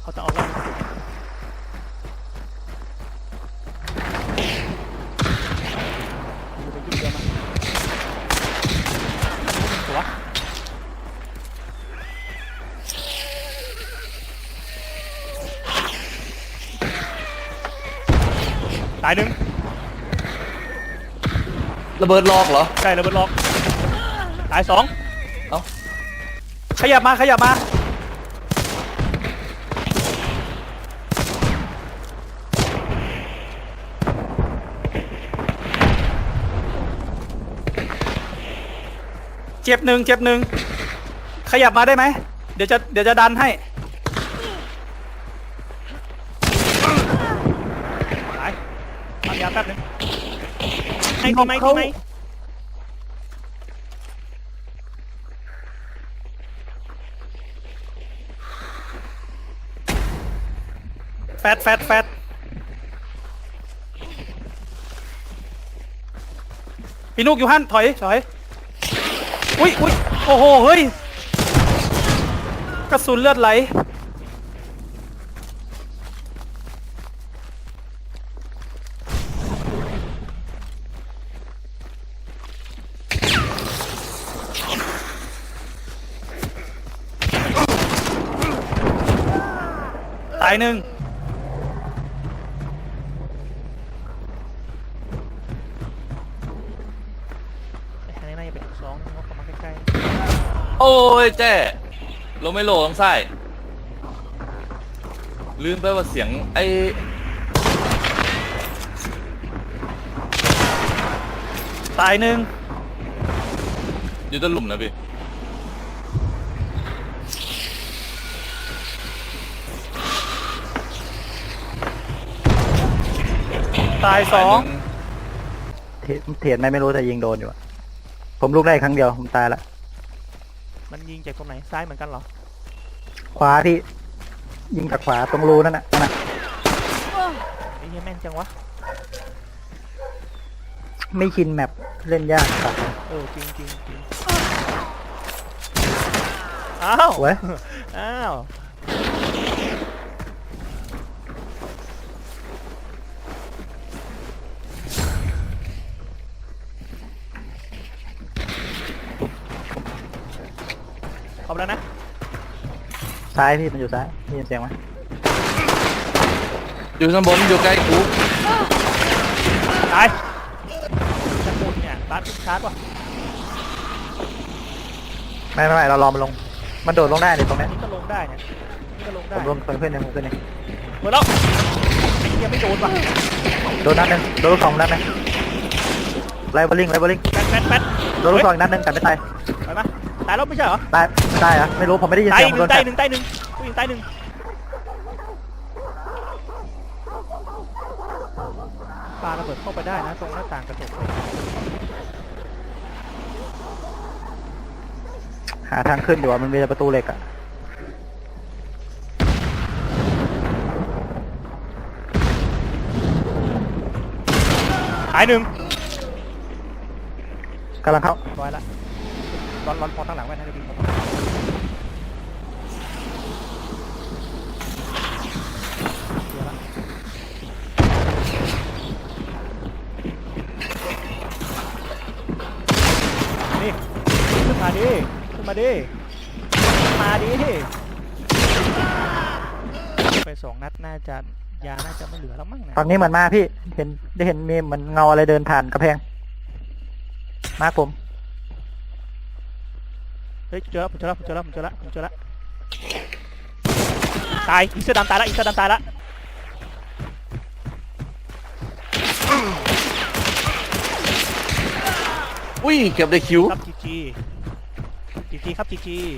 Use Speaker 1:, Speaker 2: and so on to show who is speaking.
Speaker 1: เขาจะเอาแล้วไปยุ่งเยอะมั้ยตัวตายหนึ่ง
Speaker 2: ระเบิดล็อกเหรอ
Speaker 1: ใช่ระเบิดล็อกตายสอง
Speaker 2: เอ้า
Speaker 1: ขยับมาขยับมาเจ็บหนึ่งเจ็บหนึ่งขยับมาได้ไหมเดี๋ยวจะดันให้ตายปั๊มยาแป๊บนึงให้ดีไหมดีไหมแฟดพี่นุกอยู่หั่นถอยอุ้ยโอ้โหเฮ้ยกระสุนเลือดไหลตายหนึ่ง
Speaker 2: โอ้ยเจ๊ลงไม่โหลงไส้ลืมไปว่าเสียงไอ้
Speaker 1: ตายหนึ่ง
Speaker 2: อยู่ต้นหลุมนะพี่
Speaker 1: ตายสอง
Speaker 3: เถียนไม่รู้แต่ยิงโดนอยู่อะผมลุกได้ครั้งเดียวผมตายละ
Speaker 1: มันยิงจากตรงไหนซ้ายเหมือนกันเหรอ
Speaker 3: ขวาพี่ยิงจากขวาตรงรูนั่นน่ะ
Speaker 1: ไอ้เหี้ยแม่นจังวะ
Speaker 3: ไม่ชินแมปเล่นยากครับ
Speaker 1: จริงอ้าว
Speaker 3: เว้ย
Speaker 1: อ้าวเอาแล้วนะ
Speaker 3: ซ้ายพี่มันอยู่ซ้ายได้ยินเสียงไหม
Speaker 2: อยู่ข้างบนอยู่ใกล้กู
Speaker 1: ตายจะพูดเนี่ยตัดชาร์จวะ
Speaker 3: ไม่เรารอมันลงมันโดดลงได้เนี่ยตรงนี้
Speaker 1: นี่ก็ลงได้เนี่ยนี่ก็ลงได้
Speaker 3: ผมลงเพื่อนเนี่ยผมเพื่อนเนี่ย
Speaker 1: หมดแล้วไอ้เหี้ยไม่โดนว่ะ
Speaker 3: โดนนัดนึงโดนลูกสองนัดนึงไล่บอลลิง
Speaker 1: แป๊ด
Speaker 3: โดนลูกสองนัดนึงแต่ไม่ตาย
Speaker 1: ไปไหมตายแล้วไม่ใช่เหรอ
Speaker 3: ตายเหรอไม่รู้ผมไม่ได้ยินเสียงโดน
Speaker 1: ตายหนึ่งผู้หญิงตายหนึ่งปาระเบิดเข้าไปได้นะตรงหน้าต่างกระจก
Speaker 3: หาทางขึ้นอยู่มันมีประตูเหล็กอะ
Speaker 1: ตายหนึ่ง
Speaker 3: กำลังเข้า
Speaker 1: ร้อยละร้อนพอตั้งหลังไว้นะจะดีนี่ขึ้นมาดิไปสองนัดน่าจะยาน่าจะไม่เหลือแล้วมั้งนะ
Speaker 3: ตอนนี้เหมือนมาพี่ได้เห็นมีเหมือนเงาอะไรเดินผ่านกระแพงมาผม
Speaker 1: เฮ้ยเจอแล้วตายอีเสื้อดำตายละ
Speaker 2: อุ้ยเกือบได้คิว
Speaker 1: ครับจีจีครับจีจี